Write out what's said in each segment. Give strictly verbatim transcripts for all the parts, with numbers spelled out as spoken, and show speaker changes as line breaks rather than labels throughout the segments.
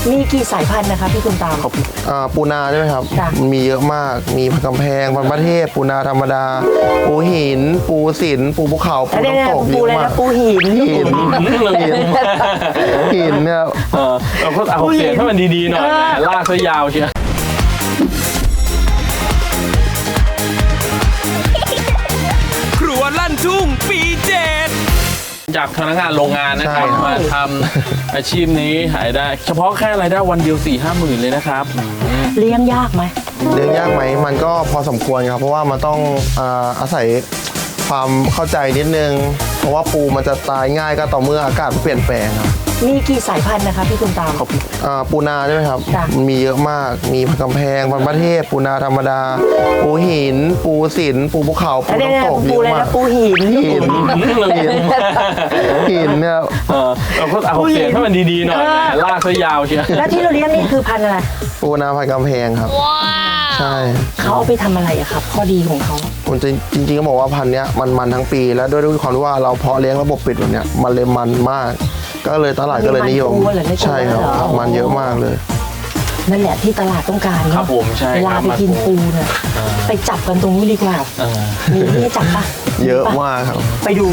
มีกี่สายพันธุ์นะคะพี่ตุมตาม
ปูนาใช่ไหมครับมันมีเยอะมากมีพันกำแพงพันประเทศปูนาธรรมดาปูหินปูสินปูภูเขาปูน้ำตกเยอะมาก
ปูหิน
หินหินเนี่ย
เราก็เอาเสียงให้มันดีๆหน่อยลากซะยาวเชียว
ครัวลั่นทุ่งปีเจ็ด
จากพนักงานโรงงานนะครับมาทำอาชีพนี้หายได้เฉพาะแค่รายได้วันเดียวสี่ห้าหมื่นเลยนะครับ
เลี้ยงยากไหม
เลี้ยงยากไหมมันก็พอสมควรครับเพราะว่ามันต้องอาศัยความเข้าใจนิดนึงเพราะว่าปูมันจะตายง่ายก็ต่อเมื่ออากาศเปลี่ยนแปลงครับ
มีกี่สายพันธุ์นะคะพี่ตุมตาม
ปูนาใช่ไหมครับมันมีเยอะมากมีพันกำแพงพันประเทศปูนาธรรมดาปูหินปูสินปูภูเขาปูน้ำตกเยอะมาก
ปูหิน
หินหินเนี่ย
เราก็เอาเสียงให้มันดีๆหน่อยลากซะยาวเชียว
แล้วที่เราเลี้ยงนี่คือพันธุ์อะไร
ปูนาพันกำแพงครับใช่
เขาเอาไปทำอะไรอะครับข้อดีของเขา
ผมจริงๆก็บอกว่าพันธุ์นี้มันมันทั้งปีแล้วด้วยด้วยความที่ว่าเราเพาะเลี้ยงระบบปิดแบบเนี้ยมันเลยมันมากก็เลยตลาดก็เลยนิยมใช่ครับมันเยอะมากเลย
นั่นแหละที่ตลาดต้องการ
ครับผมใช่
เวลาไปกินปูเนี่ยไปจับกันตรงนี้ดีกว่ามีที่จับปะ
เยอะมากครับ
ไปดู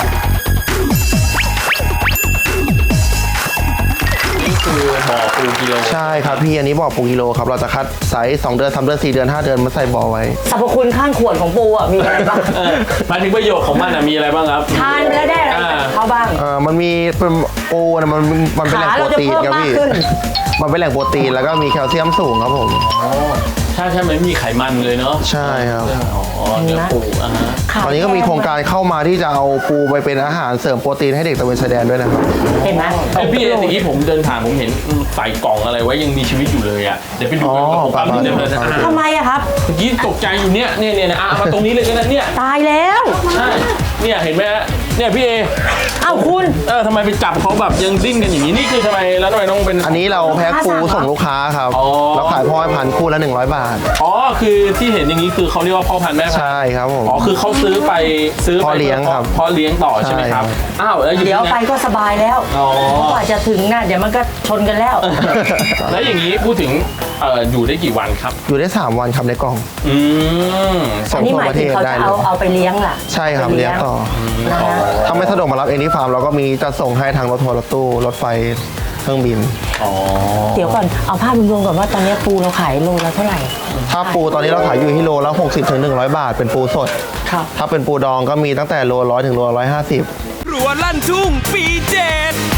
คือบ่อปูกิโล
ใช่ครับพี่อันนี้บ่อปูกิโลครับเราจะคัดไซส์สองเดือนสามเดือนสี่เดือนห้าเดือนมาใส่บ่อไว้
สรรพคุณข้างขวดของปูอ่ะมีอะไรบ้าง
หมายถึงประโยชน์ของมันมีอะไรบ้างครับ
ทานแล้วได้อะไรเขาบ้าง
เออมันมีเป็นปูนะมันมันเป็นแหล่งโปรตีนครับพี่มันเป็นแหล่งโปรตีนแล้วก็มีแคลเซียมสูงครับผม
ใช่ใช่ไม่มีไขมันเลยเนาะ
ใช่ครับ
อ๋อเนื้อปูอ่ะฮะ
ตอนนี้ก็มีโครงการเข้ามาที่จะเอาปูไปเป็นอาหารเสริมโปรตีนให้เด็กตะเวนชายแดนด้วยนะครับ
เห็นไหม
ไอพี่เมื่อกี้ผมเดินผ่านผมเห็นใส่กล่องอะไรไว้ยังมีชีวิตอยู่เลยอ่ะเดี๋ยวไปดูกันกับความที่เดินเลย
ทำไมอะครับ
เมื่อกี้ตกใจอยู่เนี่ยเนี่ยเนี่ยอ่ะมาตรงนี้เลยก็ได้เนี่ย
ตายแล้ว
ใช่เนี่ยเห็นไหมเนี่ยพี่เอ
อ้าวคุณ
เออทำไมไปจับเขาแบบยังดิ้นกันอย่างนี้นี่คือทำไมแล้วทำไมต้องเป็น
อันนี้เราแพ็คปูส่งลูกค้าครับเราขายพ่อพันธุ์คู่ละหนึ่งร้อยบาท
อ๋อคือที่เห็นอย่างนี้คือเขาเรียกว่าพ่อพันธุ์แม่พันธุ์
ใช่ครับผม
อ๋อคือเขาซื้อไปซื้อ
พ่อเลี้ยงครับ
พ่อเลี้ยงต่อใช่ไหมครับอ้าว
เดี๋ยวไปก็สบายแล้วกว่าจะถึงน่ะเดี๋ยวมันก็ชนกันแล้ว
แล้วอย่างนี้พูดถึงเอ่ออยู่ได้กี่วันครับ
อยู่ได้สามวันครับในกล่อง
อืม
ส่งทั่วประเทศได้เลย
เอาเอาไปเลี้ยงล่ะ
ใช่ครับเลี้ยงต่อถ้าไม่สะดวกมารับเองที่ฟาร์มเราก็มีจะส่งให้ทางรถทัวร์รถตู้รถไฟเครื่องบิน
เดี๋ยวก่อนเอาภาพรวมๆก่อนว่าตอนนี้ปูเราขายโลละเท่าไหร่
ถ้าปูตอนนี้เราขายอยู่ที่โลละหกสิบถึงหนึ่งร้อยบาทเป็นปูสดถ้าเป็นปูดองก็มีตั้งแต่โลร้อยถึงโลร้อยห้าสิบ
ครัวลั่นทุ่งปีเจ็ด